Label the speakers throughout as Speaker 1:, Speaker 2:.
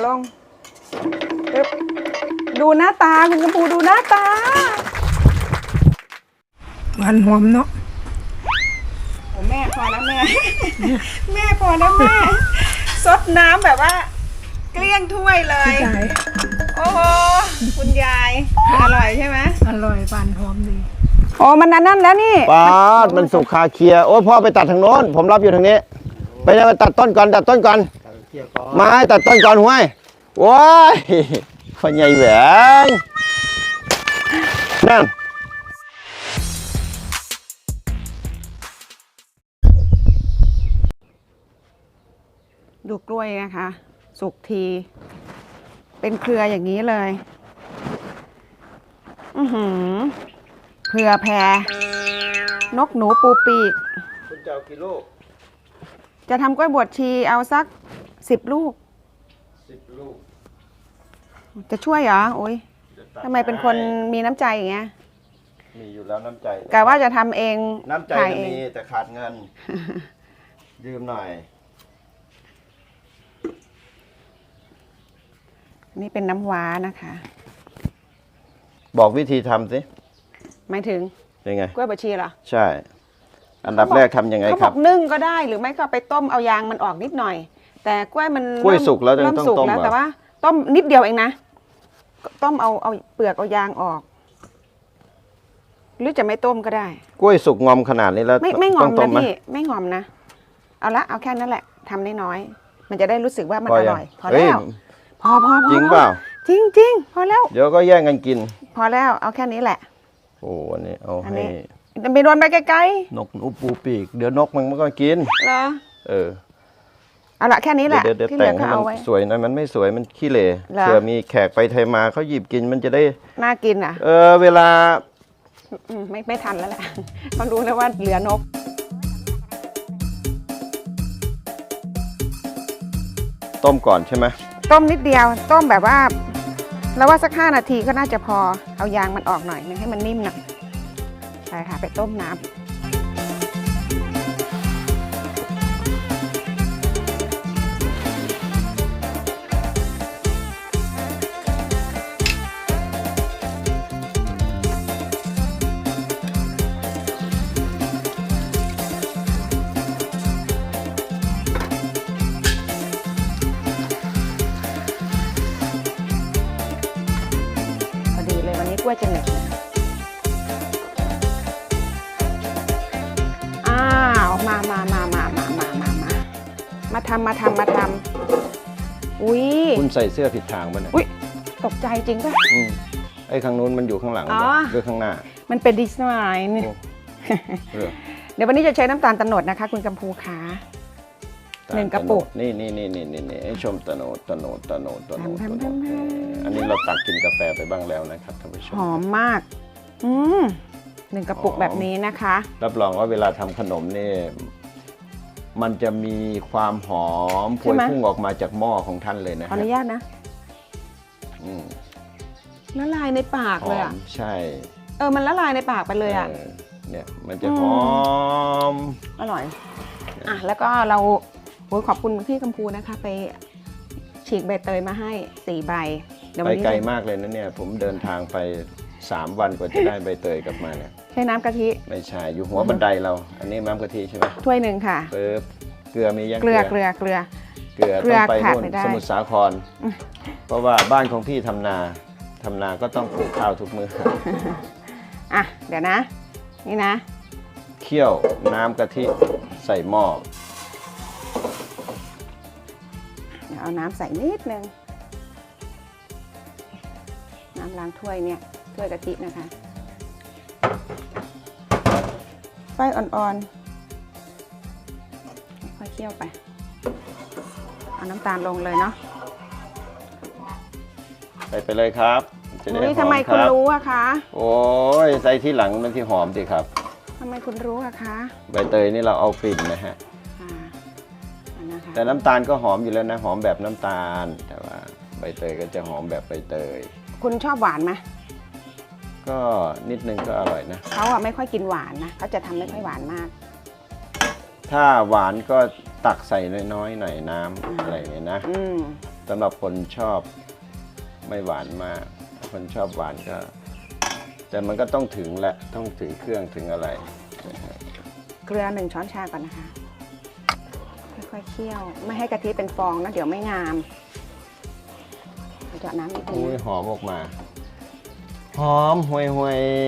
Speaker 1: ลงปึ๊บดูหน้าตาคุณกำพูดูหน้าตา
Speaker 2: หวานหอมเนาะ
Speaker 1: โอ้แม่พอแล้วแม่ แม่พอแล้วแม่ซดน้ำแบบว่าเกลี้ยงถ้วยเลยโอ้โหคุณยายอร่อยใช่ไหม
Speaker 2: อร่อยหวานหอมดี
Speaker 1: โอ้มันนั่นแล้วนี่
Speaker 3: ปาดมันสุกคาเคลียโอ้พ่อไปตัดทางโน้นผมรับอยู่ทางนี้ไปยังตัดต้นก่อนตัดต้นก่อนไม้ตัดต้นก่อนห้วยโอ้ยคนใหญ่แหวงนั่น
Speaker 1: ดูกล้วยนะคะสุกทีเป็นเครืออย่างนี้เลยเครือแพรนกหนูปูปีก
Speaker 3: คุณจะเอากี่ลูก
Speaker 1: จะทำกล้วยบวชชีเอาสัก10 ลูก
Speaker 3: 10 ลูก
Speaker 1: จะช่วยเหรอโอ้ยทำไมเป็นคนมีน้ำใจอย่างเงี้ย
Speaker 3: มีอยู่แล้วน้ำใจ
Speaker 1: กะว่าจะทำเอง
Speaker 3: น้ำใจมีแต่ขาดเงินยืมหน่อย
Speaker 1: นี่เป็นน้ำว้านะคะ
Speaker 3: บอกวิธีทำสิ
Speaker 1: หมายถึง
Speaker 3: ยังไง
Speaker 1: กล้วยบวชชีเหรอ
Speaker 3: ใช่อันดับแรกทำยังไงครับเขา
Speaker 1: บอกนึ่งก็ได้หรือไม่ก็ไปต้มเอายางมันออกนิดหน่อยแต่กล้วยมัน
Speaker 3: กล้วยสุกแล้วต้องต้ม
Speaker 1: แล้วแต่ว่าต้มนิดเดียวเองนะต้มเอาเปลือกเอายางออกหรือจะไม่ต้มก็ได้
Speaker 3: กล้วยสุกงอมขนาดนี้แล้ว
Speaker 1: ไม่งอมนะพี่ไม่งอมนะเอาแค่นั้นแหละทำน้อยๆมันจะได้รู้สึกว่ามันอร่อยพอแล้วพอ
Speaker 3: จริงเปล่า
Speaker 1: จริงพอแล้ว
Speaker 3: เดี๋ยวก็แย่งกันกิน
Speaker 1: พอแล้วเอาแค่นี้แหละ
Speaker 3: โอ้อันนี้เอาให้
Speaker 1: ไปโดนไปไกล
Speaker 3: ๆนกหนูปูปีกเดี๋ยวนกมันก็กิน
Speaker 1: เหรอเอาละแค่นี้แหละ
Speaker 3: ที่เหลือก็เอาไว้สวยนะมันไม่สวยมันขี้เหร่เผื่อมีแขกไปไทยมาเขาหยิบกินมันจะได้
Speaker 1: น่ากินอ่ะ
Speaker 3: เวลา
Speaker 1: ไม่ทันแล้วแหละเขารู้แล้วว่าเหลือนก
Speaker 3: ต้มก่อนใช่ไหม
Speaker 1: ต้มนิดเดียวต้มแบบว่าแล้วว่าสัก5 นาทีก็น่าจะพอเอายางมันออกหน่อยนึงให้มันนิ่มหน่อยใช่ค่ะไปต้มน้ำกล้วยจะเหน็บมาทำอุ้ย
Speaker 3: คุณใส่เสื้อผิดทางป่ะเนี่ย
Speaker 1: อุ้ยตกใจจริงป่ะ
Speaker 3: ไอ้ข้างนู้นมันอยู่ข้างหลังหรือข้างหน้า
Speaker 1: มันเป็นดีไซน์นี่เดี๋ยววันนี้จะใช้น้ำตาลตะโนดนะคะคุณกำพูขา1 กระปุก
Speaker 3: นี่ให้ชมตะโนดอันนี้เราตักกินกาแฟไปบ้างแล้วนะครับท่านผู้ชม
Speaker 1: หอมมาก1 กระปุกแบบนี้นะคะ
Speaker 3: รับรองว่าเวลาทำขนมนี่มันจะมีความหอมพวยพุ่งออกมาจากหม้อของท่านเลยนะ
Speaker 1: ขออนุญาตนะละลายในปากเลยอ่ะ
Speaker 3: ใช่
Speaker 1: มันละลายในปากไปเลยอ่ะ
Speaker 3: เนี่ยมันจะหอม
Speaker 1: อร่อยแล้วก็เราขอบคุณพี่กำพูนะคะไปฉีกใบเตยมาให้4 ใบ
Speaker 3: ไปไกลมากเลยนะเนี่ยผมเดินทางไป3 วันกว่าจะได้ใบเตยกลับมาเนี่ย
Speaker 1: ใช้น้ำกะทิ
Speaker 3: ไม่ใช่อยู่หัวบันไดเราอันนี้น้ำกะทิใช่ไหม
Speaker 1: ถ้วย1ค่ะ
Speaker 3: เกลือมียัง
Speaker 1: เกลือ
Speaker 3: ต้องไปนู่นสมุทรสาครเพราะว่าบ้านของพี่ทำนาก็ต้องปลูกข้าวทุกมื้อ
Speaker 1: เดี๋ยวนะนี่นะ
Speaker 3: เคี่ยวน้ำกะทิใส่หม้อ
Speaker 1: เอาน้ำใส่นิดนึงน้ำล้างถ้วยเนี่ยถ้วยกะทินะคะไฟอ่อนๆค่อยเคี่ยวไปเอาน้ำตาลลงเลยเนาะ
Speaker 3: ไปเลยครับ
Speaker 1: จะได้หอมทำไมคุณรู้อะคะ
Speaker 3: โอ้ยใส่ที่หลังมันที่หอมสิครับ
Speaker 1: ทำไมคุณรู้อะคะ
Speaker 3: ใบเตยนี่เราเอากลิ่นนะฮะแต่น้ำตาลก็หอมอยู่แล้วนะหอมแบบน้ำตาลแต่ว่าใบเตยก็จะหอมแบบใบเตย
Speaker 1: คุณชอบหวานไหม
Speaker 3: ก็นิดนึงก็อร่อยนะ
Speaker 1: เขาไม่ค่อยกินหวานนะเขาจะทำไม่ค่อยหวานมาก
Speaker 3: ถ้าหวานก็ตักใส่น้อยๆหน่อยน้ำอะไรเนี่ยนะ แสำหรับคนชอบไม่หวานมากคนชอบหวานก็แต่มันก็ต้องถึงแหละต้องถึงเครื่องถึงอะไร
Speaker 1: เกลือ1 ช้อนชาก่อนนะคะค่อยๆเคี่ยวไม่ให้กะทิเป็นฟองนะเดี๋ยวไม่งามเจาะน้ำนิดนึง
Speaker 3: อุ้ย
Speaker 1: นะ
Speaker 3: หอมออกมาหอมห่วยห่วย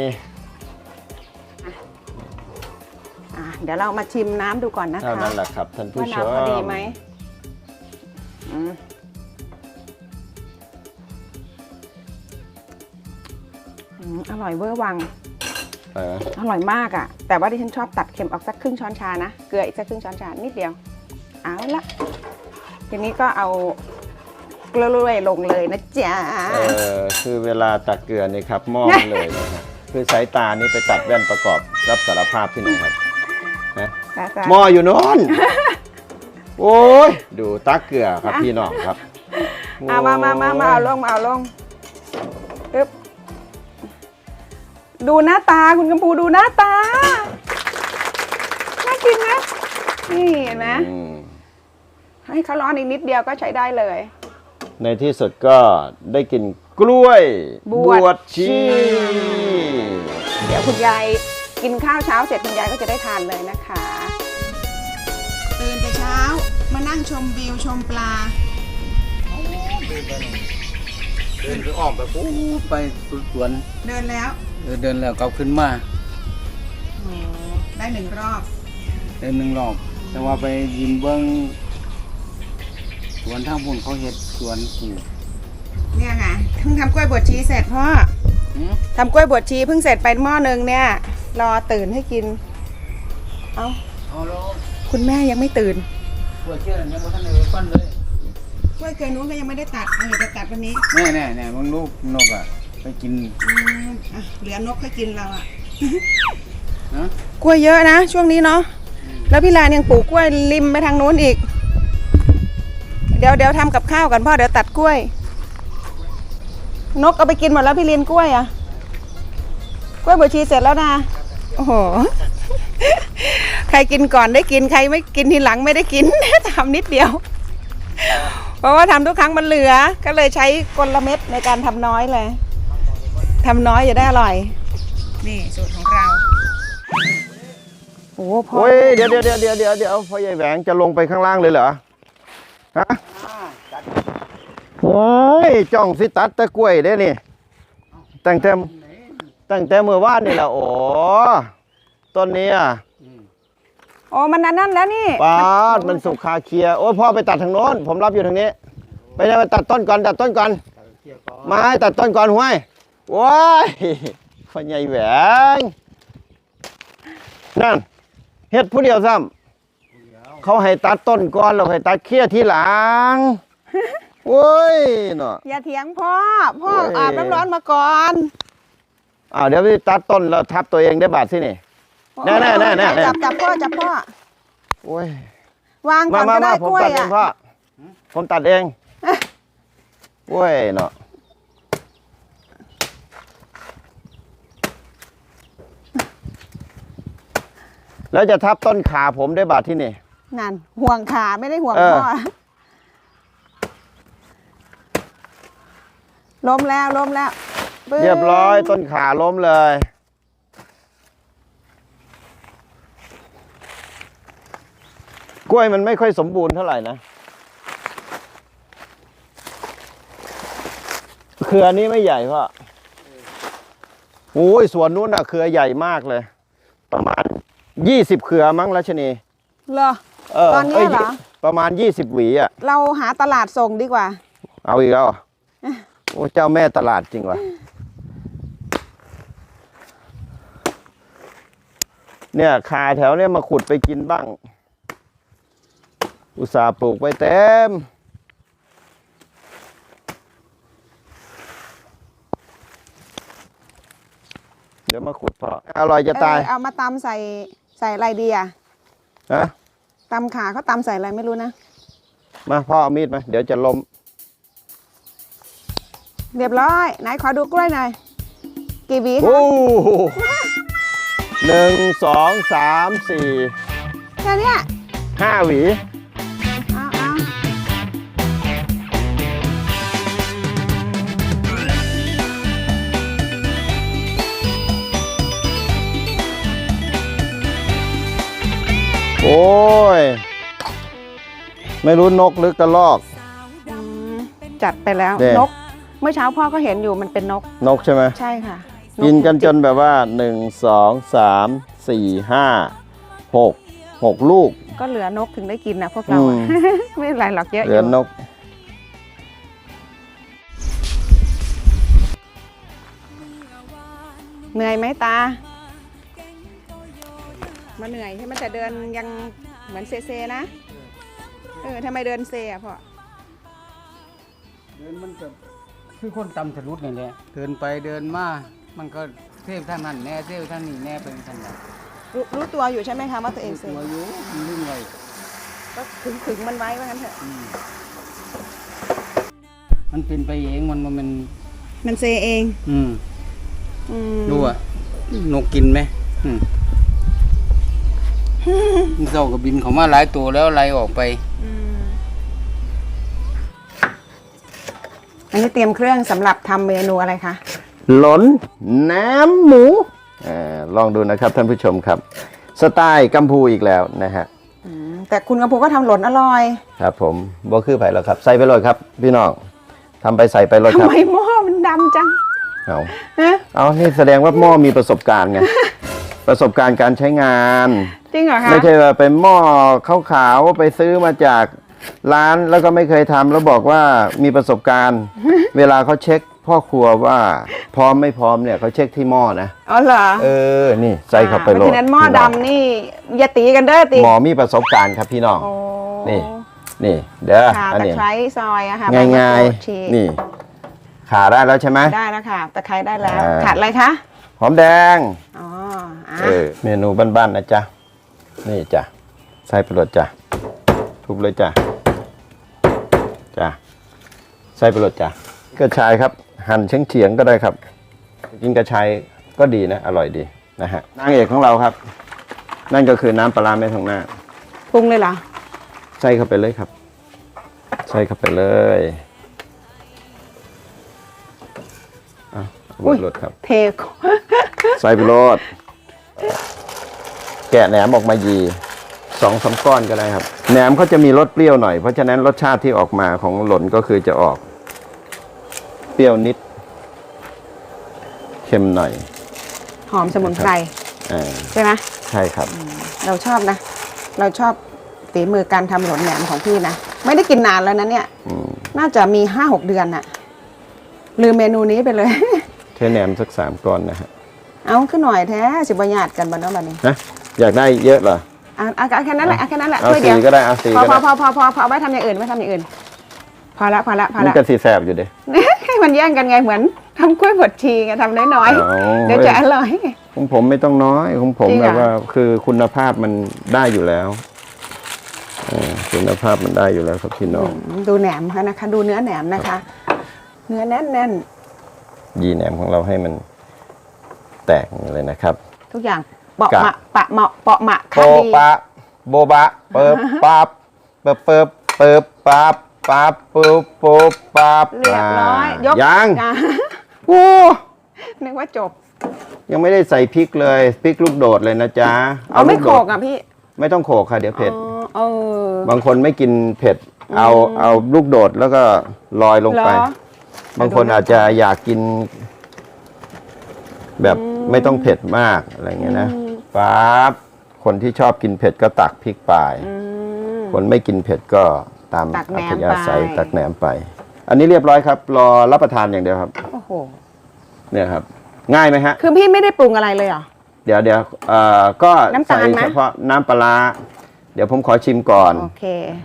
Speaker 1: เดี๋ยวเรามาชิมน้ำดูก่อนนะคะ
Speaker 3: เท่านั้นแหละครับท่านผู้
Speaker 1: ว่า
Speaker 3: ชม
Speaker 1: น้ำพอดีไหมอร่อยเวอร์วัง อร่อยมากอ่ะแต่ว่าที่ฉันชอบตัดเค็มออกสักครึ่งช้อนชานะเกลืออีกสักครึ่งช้อนชานิดเดียวเอาละทีนี้ก็เอาเกลือลงเลยนะจ๊ะ
Speaker 3: คือเวลาตักเกลือนี่ครับมองเลยนะฮะคือสายตานี่ไปตัดแว่นประกอบรับสารภาพที่ไหนครับนะหม้ออยู่โน้นโอ้ยดูตักเกลือครับพี่น้องครับ
Speaker 1: เอามาเอาลงปึ๊บดูหน้าตาคุณกัมพูดูหน้าตาน่ากินนะนี่เห็นไหมให้เขาร้อนอีกนิดเดียวก็ใช้ได้เลย
Speaker 3: ในที่สุดก็ได้กินกล้วยบวชชี
Speaker 1: เดี๋ยวคุณยายกินข้าวเช้าเสร็จคุณยายก็จะได้ทานเลยนะคะตื่นแต่เช้ามานั่งชมวิวชมปลา
Speaker 4: เดินไปอ้อมไปปุ๊บไปสวน
Speaker 1: เดินแล้ว
Speaker 4: เดินแล้วกลับขึ้นมา
Speaker 1: ได้1 รอบ
Speaker 4: เดิน1 รอบ แต่ว่าไปยิมเบิ้งสวนทางพุ่นเขาเฮ็ดสวนปลูก
Speaker 1: เนี่ยค่ะเพิ่งทำกล้วยบวชชีเสร็จพ่อ
Speaker 4: หือ
Speaker 1: ทำกล้วยบวชชีเพิ่งเสร็จไปหม้อนึงเนี่ยรอตื่นให้กินเอา
Speaker 4: เอาแล้ว
Speaker 1: คุณแม่ยังไม่ตื่น
Speaker 4: ปวดเชื่อยังบ่ทันได้ฟันเลย
Speaker 1: กล้วยเกลือนู้นก็ยังไม่ได้ตัดเอาเดี๋ยวจะตัดวันนี้
Speaker 4: แน่มึงลูกนกอ่ะไปกิน
Speaker 1: เหลือนกค่อยกินเราอ่ะ
Speaker 4: ฮะ
Speaker 1: กล้วยเยอะนะช่วงนี้เนาะแล้วพี่ลานยังปลูกกล้วยริมไปทางนู้นอีกเดี๋ยวทำกับข้าวกันพ่อเดี๋ยวตัดกล้วยนกเอาไปกินหมดแล้วพี่ลินกล้วยอ่ะกล้วยบวชชีเสร็จแล้วนะโอ้โห ใครกินก่อนได้กินใครไม่กินทีหลังไม่ได้กิน ทำนิดเดียว เพราะว่าทำทุกครั้งมันเหลือก็เลยใช้กลเม็ดในการทำน้อยเลยทำน้อยจะได้อร่อยนี่สูตรของเราโอ้พ่อ
Speaker 3: โอ้ยเดี๋ยวพ่อใหญ่แหวงจะลงไปข้างล่างเลยเหรอฮะโอ้ยจ้องสิตัดตะกล้วยได้นี่ตั้งแต่เมื่อวานนี่แหละโอ้ต้นนี้อ่ะ
Speaker 1: โอ้มันนั่นแล้วนี่
Speaker 3: ปาดมันสุกคาเคลียโอ้ยพ่อไปตัดทางโน้นผมรับอยู่ทางนี้ไปยังไปตัดต้นก่อนไม้ตัดต้นก่อนห้วยโอ้ยพ่อใหญ่แหวงนั่นเฮ็ดผู้เดียวซ้ำเขาให้ตัดต้นก่อนเราให้ตัดเคลียทีหลังโอ้ยเนาะ
Speaker 1: อย่าเถียงพ่อ
Speaker 3: โอ้ย
Speaker 1: อาบน้ำร้อนมาก่อน
Speaker 3: เดี๋ยวไปตัดต้นแล้วทับตัวเองได้บาดสินี่แน่
Speaker 1: จับพ่อ
Speaker 3: โอ้ยว
Speaker 1: างก่อนก็ได้
Speaker 3: ผม
Speaker 1: กล้วย
Speaker 3: ตัดเอง
Speaker 1: อ่ะ
Speaker 3: พ่อผมตัดเองโอ้ยเนาะแล้วจะทับต้นขาผมได้บาดที่นี่
Speaker 1: นั่นห่วงขาไม่ได้ห่วงพ่อล้มแล้วปึ๊บ
Speaker 3: เรียบร้อยต้นขาล้มเลยกล้วยมันไม่ค่อยสมบูรณ์เท่าไหร่นะเครือนี้ไม่ใหญ่พ่อโอ้ยสวนนู้นอะเครือใหญ่มากเลย ประมาณ20เครือมั้งรัชนี
Speaker 1: เหรอตอนนี้เหรอ
Speaker 3: ประมาณ20หวีอะ
Speaker 1: เราหาตลาดส่งดีกว่า
Speaker 3: เอาอีกแล้วเหรอโอ้เจ้าแม่ตลาดจริงวะเนี่ยคาแถวเนี่ยมาขุดไปกินบ้าง อุตส่าห์ปลูกไว้เต็มเดี๋ยวมาขุดพออร่อยจะตาย
Speaker 1: เอามาตำใส่อะไรดีอ่ะ
Speaker 3: ฮะ
Speaker 1: ตำขาเขาตำใส่อะไรไม่รู้นะ
Speaker 3: มาพ่อเอามีดมาเดี๋ยวจะล้ม
Speaker 1: เรียบร้อยไหนขอดูกล้วยหน่อยกี่หวีคะ
Speaker 3: โอ้โห1 2 3
Speaker 1: แค่เนี้ย
Speaker 3: 4 5หวี
Speaker 1: เอา
Speaker 3: ไม่รู้นกหรือกระรอก
Speaker 1: อืมจัดไปแล้ว
Speaker 3: เด้
Speaker 1: นก เมื่อเช้าพ่อก็เห็นอยู่มันเป็นนก
Speaker 3: นกใช่ไหม
Speaker 1: ใช่ค่ะ
Speaker 3: กินกันจนแบบว่า 1 2 3 4 5 6ลูก
Speaker 1: ก็เหลือนกถึงได้กินนะพวกเราอะ ไม่เป็นไรหรอกเยอะ
Speaker 3: เหลือนก
Speaker 1: เหนื่อยไหมตามาเหนื่อยใช่ไหมแต่เดินยังเหมือนเซนะทำไมเดินเซอ่ะพ่อ
Speaker 4: เดินมันก็คือคนตำทะลุนี่แหละเดินไปเดินมามันก็เซฟท่างนั้นแน่เซฟท่างนี้แน่เป็นท่างนั้น
Speaker 1: รู้ตัวอยู่ใช่ไหมคะว่าตัวเองเซ
Speaker 4: ตัวอยู่มันลืมไว้
Speaker 1: ก็ถึงมันไว้ว่างั้นเถอะ
Speaker 4: มันเป็นไปเองมัน
Speaker 1: มันเซเอง
Speaker 4: อืม
Speaker 1: อืม
Speaker 4: ดูอ่ะนกกินไหมมันเจ้าก็บินเขามาหลายตัวแล้วไล่ออกไป
Speaker 1: อืมอันนี้เตรียมเครื่องสำหรับทำเมนูอะไรคะ
Speaker 3: หลนแหนมหมูลองดูนะครับท่านผู้ชมครับ สไตล์กัมพูอีกแล้วนะฮะ
Speaker 1: แต่คุณกระพูก็ทำหล่นอร่อย
Speaker 3: ครับผมบ่คือไผ่แล้วครับ ใส่ไปเลยครับ พี่น้องทำไปใส่ไปเลยค
Speaker 1: ทำ
Speaker 3: รับ
Speaker 1: ไมหม้อมันดำจัง
Speaker 3: เอา
Speaker 1: ฮะ
Speaker 3: เอานี่แสดงว่าหม้อมีประสบการณ์ไง ประสบการณ์การใช้งาน
Speaker 1: จริงเหรอคะ
Speaker 3: ไม่ใช่ว่าเป็นหม้อขาวๆไปซื้อมาจากร้านแล้วก็ไม่เคยทำแล้วบอกว่ามีประสบการณ์ เวลาเขาเช็คพ่อครัวว่าพร้อมไม่พร้อมเนี่ยเขาเช็คที่หม้อนะ
Speaker 1: อ๋อเหรอ
Speaker 3: นี่ใส่เข้าไป
Speaker 1: เพ
Speaker 3: โล
Speaker 1: ราะ
Speaker 3: ด
Speaker 1: ฉะนั้นหม้อดำนี่อย่าตีกันเด้อตี
Speaker 3: หมอมีประสบการณ์ครับพี่น้อง
Speaker 1: โอ้
Speaker 3: นี่เด้อ
Speaker 1: ค่ะ
Speaker 3: อัน
Speaker 1: ตะ
Speaker 3: นี้
Speaker 1: ไคร้ซอยอะค่ะ
Speaker 3: ง่าย
Speaker 1: ใบมะกรูดฉีก
Speaker 3: ๆนี่ขาได้แล้วใช่ไหม
Speaker 1: ได้แล้วค่ะตะไคร้ได้แล้ว
Speaker 3: อ่า
Speaker 1: ขาดอะไรคะ
Speaker 3: หอมแดง
Speaker 1: อ๋ออ่ะ
Speaker 3: เมนูบ้านๆนะจ๊ะนี่จ้ะใส่ไปโลดจ้ะทุบเลยจ้ะจ้ะใส่ไปโลดจ้ะกระชายครับ หั่นเฉียงๆก็ได้ครับกินกระชายก็ดีนะอร่อยดีนะฮะนางเอกของเราครับ นั่นก็คือน้ำปลาร้าแม่ทองหน้า
Speaker 1: ปรุงเลยเหรอ
Speaker 3: ใส่เข้าไปเลยครับ ใส่เข้าไปเลย เอาบดรสครับ
Speaker 1: เท
Speaker 3: ใส่ไปโรดแกะแหนมออกมายี2-3 ก้อนก็ได้ครับ แหนมเขาจะมีรสเปรี้ยวหน่อย เพราะฉะนั้นรสชาติที่ออกมาของหล่นก็คือจะออก เปรี้ยวนิด เค็มหน่อย
Speaker 1: หอมสมุนไพร
Speaker 3: อ่า
Speaker 1: ใช่ไหม
Speaker 3: ใช่ครับ
Speaker 1: เราชอบนะ เราชอบฝีมือการทำหลนแหนมของพี่นะ ไม่ได้กินนานแล้วนะเนี่ย น่าจะมี 5-6 เดือนน่ะ ลืมเมนูนี้ไปเลย
Speaker 3: เทแหนมสัก3 ก้อนนะฮะ
Speaker 1: เอาขึ้นหน่อยแท้สิบหยาดกันบ้านเนาะบ้านนี้
Speaker 3: นะอยากได้เยอะเหรอ
Speaker 1: เอาแค่นั้นแหละเอาแค่นั้นแหละ
Speaker 3: เอา
Speaker 1: ถ้วยเดียว
Speaker 3: 4ก็ได้เอา4
Speaker 1: พอ
Speaker 3: ก็ได้
Speaker 1: พอเอาไว้ทำอย่างอื่นไว้ทำอย่างอื่น พอละ
Speaker 3: มันก็สีแสบอยู่เด้
Speaker 1: ให้มันแย่งกันไงเหมือนทำกล้วยบดชีไงทำน้อย
Speaker 3: เอา
Speaker 1: ๆเดี๋ยวจะอร่อย
Speaker 3: ของผมไม่ต้องน้อยของผม
Speaker 1: จริงเหร
Speaker 3: แบ
Speaker 1: อ
Speaker 3: บว่าคือคุณภาพมันได้อยู่แล้วคุณภาพมันได้อยู่แล้วครับพี่น้อง
Speaker 1: ดูแหนมค่ะนะคะ ดูเนื้อแหนมนะคะ เนื้อแน่น
Speaker 3: ยีแหนมของเราให้มันแตกเลยนะครับ
Speaker 1: ๆทุกอย่างเปาะ
Speaker 3: กะ
Speaker 1: มะปะเหมาะเปาะหมะ
Speaker 3: โป
Speaker 1: ค่ะดี
Speaker 3: ปะโบบะเปิบปับเปิบปับปับปุ๊บปุ๊บปับ
Speaker 1: เรียบร้อยยก
Speaker 3: ยัง
Speaker 1: อ่ะ
Speaker 3: โอ้
Speaker 1: นึกว่าจบ
Speaker 3: ยังไม่ได้ใส่พริกเลยพริกลูกโดดเลยนะจ๊ะ
Speaker 1: เอาไม่
Speaker 3: ลู
Speaker 1: โข
Speaker 3: โด
Speaker 1: ก
Speaker 3: ด
Speaker 1: อ่ะพี่
Speaker 3: ไม่ต้องโขกค่ะเดี๋ยวเผ็ด
Speaker 1: อ๋อ
Speaker 3: บางคนไม่กินเผ็ด เอาลูกโดดแล้วก็ลอยลงไป
Speaker 1: เหรอ
Speaker 3: บางคนอาจจะอยากกิน แบบไม่ต้องเผ็ดมากอะไรเงี้ยนะปั๊บคนที่ชอบกินเผ็ดก็ตักพริกไป คนไม่กินเผ็ดก็ตาม
Speaker 1: ตักแหน
Speaker 3: อั
Speaker 1: ม
Speaker 3: ธยาศัย
Speaker 1: ไป
Speaker 3: ตักแหนมไป อันนี้เรียบร้อยครับ รอรับประทานอย่างเดียวครับ
Speaker 1: โอ้โห
Speaker 3: เนี่ยครับ ง่ายไหมฮะ
Speaker 1: คือพี่ไม่ได้ปรุงอะไรเลยเหรอ
Speaker 3: เดี๋ยวก็
Speaker 1: น้ำตา
Speaker 3: ใส่
Speaker 1: ลไหม
Speaker 3: เฉพาะน้ำปลาร้าเดี๋ยวผมขอชิมก่อน
Speaker 1: โอเค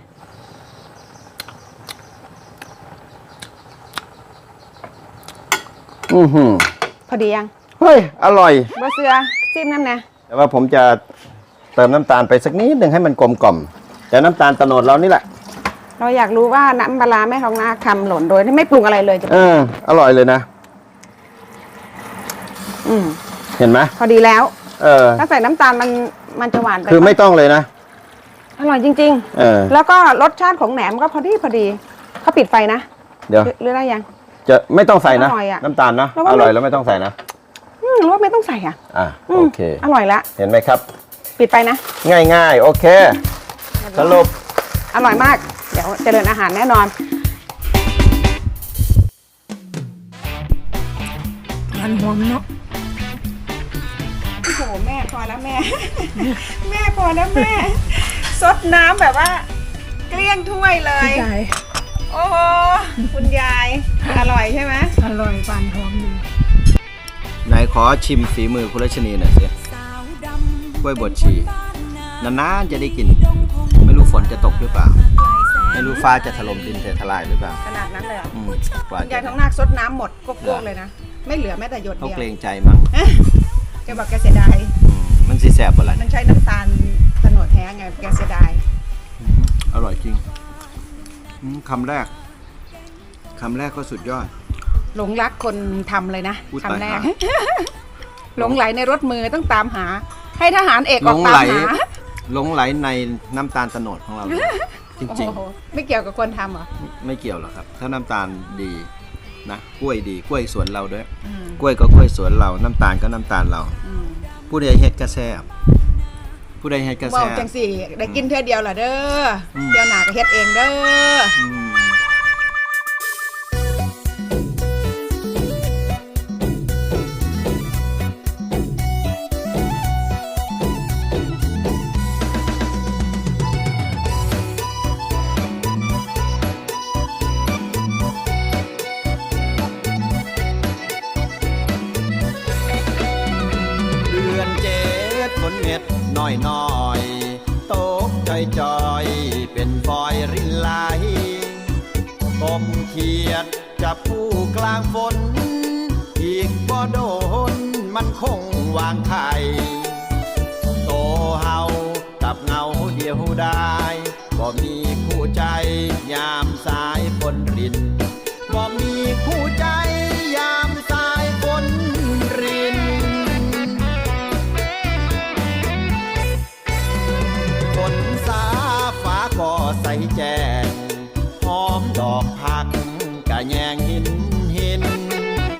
Speaker 3: อือหือ
Speaker 1: พอดียัง
Speaker 3: เฮ้ย อร่อย
Speaker 1: บะเสือจิ้มน้ำนะ
Speaker 3: แต่ว่าผมจะเติมน้ำตาลไปสักนิดหนึ่งให้มันกลมกล่อมแต่น้ำตาลโตโนดเรานี่แหละ
Speaker 1: เราอยากรู้ว่าน้ำปลาร้าแม่ทองนาทำหล่นโดยที่ไม่ปรุงอะไรเลยจะ
Speaker 3: อร่อยเลยนะ
Speaker 1: อืม
Speaker 3: เห็นไหม
Speaker 1: พอดีแล้ว
Speaker 3: เออ
Speaker 1: ถ้าใส่น้ำตาลมันจะหวานไป
Speaker 3: คือไม่ต้องเลยนะ
Speaker 1: อร่อยจริง
Speaker 3: เออ
Speaker 1: ๆ แล้วก็รสชาติของแหนมก็พอดีเขาปิดไฟนะ
Speaker 3: เดี๋ยว
Speaker 1: หรือได้ยัง
Speaker 3: จะไม่ต้องใส่นะ
Speaker 1: อร่อยอะ
Speaker 3: น้ำตาลนะ
Speaker 1: แล้วว่า
Speaker 3: อร่อยแล้วไม่ต้องใส่นะ
Speaker 1: หรือว่าไม่ต้องใส่อ่ะ
Speaker 3: โอเค
Speaker 1: อร่อยละ
Speaker 3: เห็นไหมครับ
Speaker 1: ปิดไปนะ
Speaker 3: ง่ายๆ โอเค สรุป
Speaker 1: อร่อยมาก เดี๋ยวเจริญอาหารแน่นอน
Speaker 2: หวานหอมเนาะ
Speaker 1: โอ้โหแม่พอแล้วแม่ แม่พอแล้วแม่ซดน้ำแบบว่าเกลี้ยงถ้วยเลย
Speaker 2: พี่ไก่
Speaker 1: โอ้โหคุณยายอร่อยใช่ไหม
Speaker 2: อร่อยหวานหอมดี
Speaker 3: ไหนขอชิมฝีมือคุณรัชนีหน่อยสิกล้วยบดชีนานๆจะได้กิน ไม่รู้ฝนจะตกหรือเปล่า ไม่รู้ฟ้าจะถล่มดินจะทลายหรือเปล่า
Speaker 1: ขนาดนั้นเลยเหรอ
Speaker 3: กว่า
Speaker 1: คุณยาย
Speaker 3: จะ
Speaker 1: ท้องนาคซดน้ำหมดกวกๆเลยนะไม่เหลือแม้แต่หยด
Speaker 3: เขา
Speaker 1: เดียว
Speaker 3: เกรงใจมั้ง
Speaker 1: แกบอกแกเสียดาย
Speaker 3: มันสิแสบอะไร
Speaker 1: มันใช้น้ำตาลโตนดแท้ไงแกเสียดาย
Speaker 3: อร่อยจริงคำแรกก็สุดยอด
Speaker 1: หลงรักคนทำเลยนะ
Speaker 3: อุ๊ย
Speaker 1: คำแรก
Speaker 3: ตายหา
Speaker 1: หลงไหลในรถมือต้องตามหา ให้ทหารเอก
Speaker 3: ห
Speaker 1: อ
Speaker 3: ล
Speaker 1: อก
Speaker 3: ง
Speaker 1: ตา
Speaker 3: ไหล
Speaker 1: มหา
Speaker 3: หลงไหลในน้ำตาลโตนดของเราเลยจ
Speaker 1: โอ้
Speaker 3: ริง
Speaker 1: โหไม่เกี่ยวกับคนทำเหรอ
Speaker 3: ๆ ไม่เกี่ยวหรอกครับ ถ้าน้ำตาลดีนะกล้วยดีกล้วยสวนเราด้วย
Speaker 1: อืม
Speaker 3: กล้วยก็กล้วยสวนเราน้ำตาลก็น้ำตาลเรา
Speaker 1: อืม
Speaker 3: ผู้ใดเฮ็ดกระแซบผู้ใดเฮ็ดกระ
Speaker 1: บ
Speaker 3: แซ
Speaker 1: อก
Speaker 3: บ
Speaker 1: จังสี่ได้กินเท่อเดียวเหรอเด้ออ
Speaker 3: ม
Speaker 1: เดียวหนาก็เฮ็ดเองเด้อ
Speaker 3: อืมเดือนเจ็ดฝนเม็ดน้อยน้อยๆตกจอยจอยๆเป็นฟอยรินไหลกบเขียดจับผู้กลางฝน อีกบ่โดนมันคงวางไข่โตเฮากับเงาเดียวได้บ่มีคู่ใจยามสายฝนรินบ่มีคู่ใจยามสายฝนริน ฝนสาฟ้าก็ใสแจ้ง